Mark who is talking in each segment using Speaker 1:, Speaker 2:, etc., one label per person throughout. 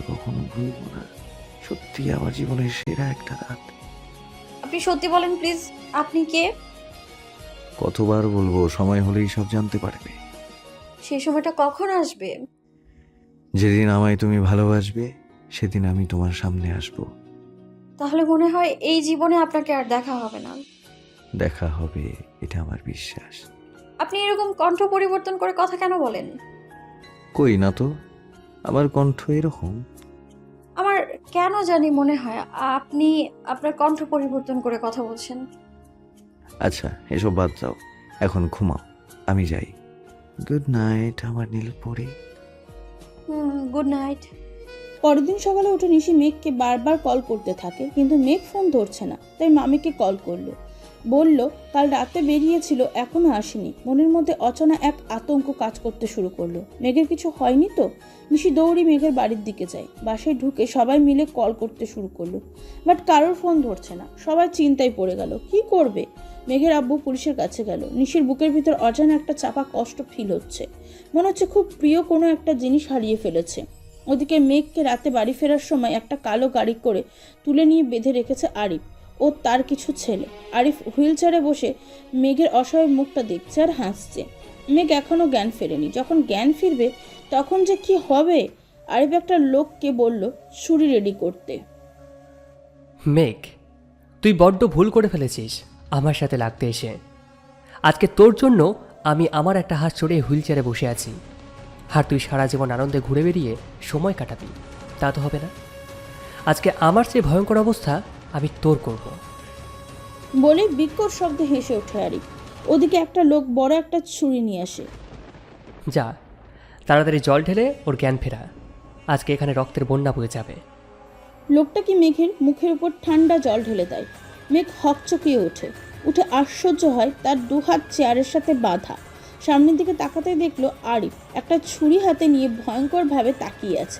Speaker 1: কখনো ভুলবো না। সত্যি আমার জীবনের সেরা একটা রাত।
Speaker 2: আপনি সত্যি বলেন প্লিজ, আপনি কে?
Speaker 1: কতবার বলবো, সময় হলেই সব জানতে পারবে।
Speaker 2: সেই সময়টা কখন আসবে?
Speaker 1: যেদিন আমায় তুমি ভালোবাসবে সেদিন আমি তোমার সামনে আসব।
Speaker 2: তাহলে মনে হয় এই জীবনে আপনাকে আর দেখা হবে না।
Speaker 1: দেখা হবে, এটা আমার বিশ্বাস।
Speaker 2: আপনি এরকম কণ্ঠ পরিবর্তন করে কথা কেন বলেন?
Speaker 1: কই না তো, আমার কণ্ঠ এরকম।
Speaker 2: আমার কেন জানি মনে হয় আপনি আপনার কণ্ঠ পরিবর্তন করে কথা বলছেন।
Speaker 1: আচ্ছা, এসব বাদ দাও, এখন ঘুমাও, আমি যাই। গুড নাইট আমার নীলপরি।
Speaker 2: Good night.
Speaker 3: পরের দিন সকালে উঠে নিশি মেঘকে বারবার কল করতে থাকে, কিন্তু মেঘ ফোন ধরছে না। তাই মামিকে কল করলো, বলল কাল রাতে বেরিয়েছিল, এখনো আসেনি। মনের মধ্যে অচেনা এক আতঙ্ক কাজ করতে শুরু করলো। মেঘের কিছু হয়নি তো? নিশি দৌড়ি মেঘের বাড়ির দিকে যায়। বাসায় ঢুকে সবাই মিলে কল করতে শুরু করলো, বাট কারোর ফোন ধরছে না। সবাই চিন্তায় পড়ে গেল, কি করবে। মেঘের আব্বু পুলিশের কাছে গেল। নিশির বুকের ভিতর অজানা একটা চাপা কষ্ট ফিল হচ্ছে, মনে হচ্ছে খুব প্রিয় কোনো একটা জিনিস হারিয়ে ফেলেছে। ওদিকে মেঘকে রাতে বাড়ি ফেরার সময় একটা কালো গাড়ি করে তুলে নিয়ে বেঁধে রেখেছে আরিফ ও তার কিছু ছেলে। আরিফ হুইল চেয়ারে বসে মেঘের অসহায় মুখটা দেখছে আর হাসছে। মেঘ এখনো জ্ঞান ফেরেনি। যখন জ্ঞান ফিরবে তখন যে কি হবে। আরিফ একটা লোককে বলল ছুরি রেডি করতে।
Speaker 4: মেঘ, তুই বড্ড ভুল করে ফেলেছিস আমার সাথে লাগতে এসে। আজকে তোর জন্য আমি আমার একটা হাত ছড়িয়ে হুইল চেয়ারে বসে আছি, আর তুই সারা জীবন আনন্দে ঘুরে বেরিয়ে সময় কাটাবি। তা তো হবে না। আজকে আমার যে ভয়ঙ্কর অবস্থা আমি তোর করব।
Speaker 3: বলে বিকট শব্দে হেসে ওঠে আরিফ। ওদিকে একটা লোক বড় একটা ছুরি নিয়ে আসে।
Speaker 4: যা, তাড়াতাড়ি জল ঢেলে ওর জ্ঞান ফেরা। আজকে এখানে রক্তের বন্যা বয়ে যাবে।
Speaker 3: লোকটা কি মেঘের মুখের উপর ঠান্ডা জল ঢেলে দেয়। মেঘ হকচকিয়ে উঠে আশ্চর্য হয়, তার দুহাত চেয়ারের সাথে বাঁধা। সামনের দিকে তাকাতেই দেখলো আরিফ একটা ছুরি হাতে নিয়ে ভয়ঙ্করভাবে তাকিয়ে আছে।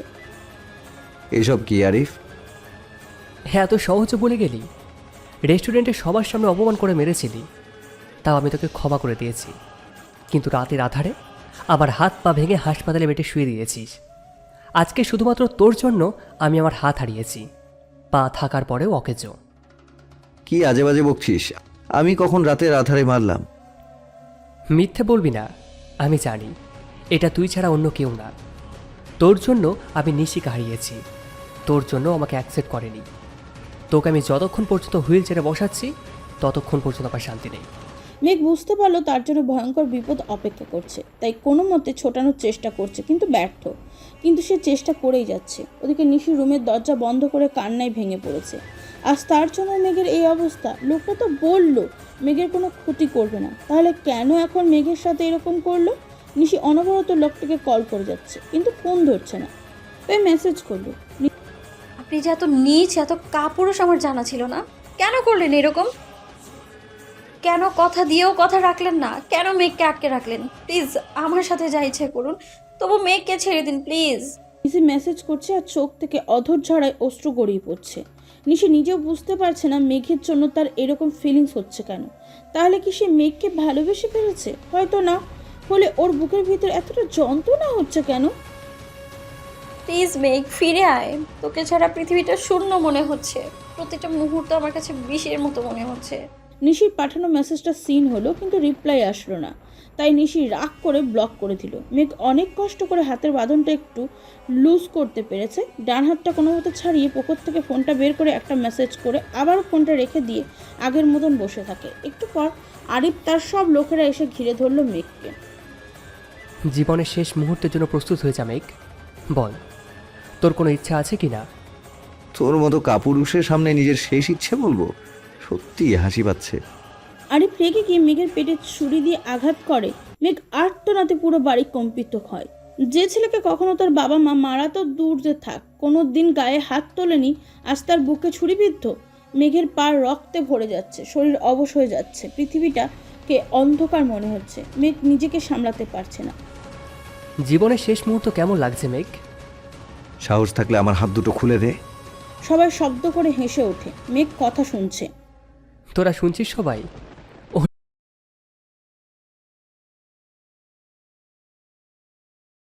Speaker 1: এসব কি আরিফ?
Speaker 4: হ্যাঁ, এত সহজে বলে গেলি। রেস্টুরেন্টে সবার সামনে অপমান করে মেরেছিলি, তাও আমি তোকে ক্ষমা করে দিয়েছি। কিন্তু রাতের আধারে আমার হাত পা ভেঙে হাসপাতালে বেটে শুয়ে দিয়েছিস। আজকে শুধুমাত্র তোর জন্য আমি আমার হাত হারিয়েছি, পা থাকার পরেও অকেজো।
Speaker 1: কি আজে বাজে বকছিস? আমি কখন রাতের আধারে মারলাম?
Speaker 4: মিথ্যে বলবি না, আমি জানি এটা তুই ছাড়া অন্য কেউ না। তোর জন্য আমি নিশিকে হারিয়েছি, তোর জন্য আমাকে অ্যাকসেপ্ট করেনি। তোকে আমি যতক্ষণ পর্যন্ত হুইল চেয়ারে বসাচ্ছি ততক্ষণ পর্যন্ত আমার শান্তি নেই।
Speaker 3: মেঘ বুঝতে পারলো তার জন্য ভয়ঙ্কর বিপদ অপেক্ষা করছে, তাই কোনো মতে ছোটানোর চেষ্টা করছে, কিন্তু ব্যর্থ। কিন্তু সে চেষ্টা করেই যাচ্ছে। ওদিকে নিশি রুমের দরজা বন্ধ করে কান্নায় ভেঙে পড়েছে। আজ তার জন্য মেঘের এই অবস্থা। লোকটা তো বলল মেঘের কোনো ক্ষতি করবে না, তাহলে কেন এখন মেঘের সাথে এরকম করলো? নিশি অনবরত লোকটাকে কল করে যাচ্ছে, কিন্তু ফোন ধরছে না। তাই মেসেজ করলো।
Speaker 2: আপনি যে এত নীচ, এত কাপুরুষ আমার জানা ছিল না। কেন করলেন এরকম? কেন কথা দিয়েও কথা রাখলেন না? কেন মেঘকে আটকে রাখলেন? প্লিজ আমার সাথে যা ইচ্ছে করুন, তবু মেঘকে ছেড়ে দিন প্লিজ।
Speaker 3: নিশি মেসেজ করছে আর চোখ থেকে অধর ঝরায় অশ্রু গড়িয়ে পড়ছে। নিশি নিজেও বুঝতে পারছে না মেঘের জন্য তার এরকম ফিলিংস হচ্ছে কেন। তাহলে কি সে মেঘকে ভালোবেসে ফেলেছে? হয়তো না। হলে ওর বুকের ভিতর এতটা যন্ত্রণা হচ্ছে কেন?
Speaker 2: প্লিজ মেঘ, ফিরে আয়। তোকে ছাড়া পৃথিবীটা শূন্য মনে হচ্ছে। প্রতিটা মুহূর্ত আমার কাছে বিষের মতো মনে হচ্ছে।
Speaker 3: নিশির পাঠানো মেসেজটা সিন হলো, কিন্তু রিপ্লাই আসলো না। তাই নিশি রাগ করে ব্লক করে দিল। মেঘ অনেক কষ্ট করে হাতের বাঁধনটা একটু লুজ করতে পেরেছে। ডান হাতটা কোনো মতো ছাড়িয়ে পকেট থেকে ফোনটা বের করে একটা মেসেজ করে আবার ফোনটা রেখে দিয়ে আগের মতন বসে থাকে। একটু পর আরিফ তার সব লোকেরা এসে ঘিরে ধরলো মেঘকে।
Speaker 4: জীবনের শেষ মুহূর্তের জন্য প্রস্তুত হয়ে যা মেঘ। বল, তোর কোনো ইচ্ছা আছে কি না?
Speaker 1: তোর মতো কাপুরুষের সামনে নিজের শেষ ইচ্ছে বলবো? সত্যি হাসি পাচ্ছে।
Speaker 3: আরিফ রেগে গিয়ে মেঘের পেটে ছুরি দিয়ে আঘাত করে। মেঘ আর্তনাতে পুরো বাড়ি কম্পিত হয়। যে ছেলেকে কখনো তার বাবা মা মারা তো দূর যে থাক, কোনো দিন গায়ে হাত তোলেনি, আজ তার বুকে ছুরিবিদ্ধ। মেঘের পা রক্তে ভরে যাচ্ছে, শরীর অবশ হয়ে যাচ্ছে, পৃথিবীটাকে অন্ধকার মনে হচ্ছে। মেঘ নিজেকে সামলাতে পারছে না।
Speaker 4: জীবনের শেষ মুহূর্ত কেমন লাগছে মেঘ?
Speaker 1: সাহস থাকলে আমার হাত দুটো খুলে দে।
Speaker 3: সবাই শব্দ করে হেসে ওঠে। মেঘ কথা শুনছে।
Speaker 4: তোরা শুনছিস সবাই?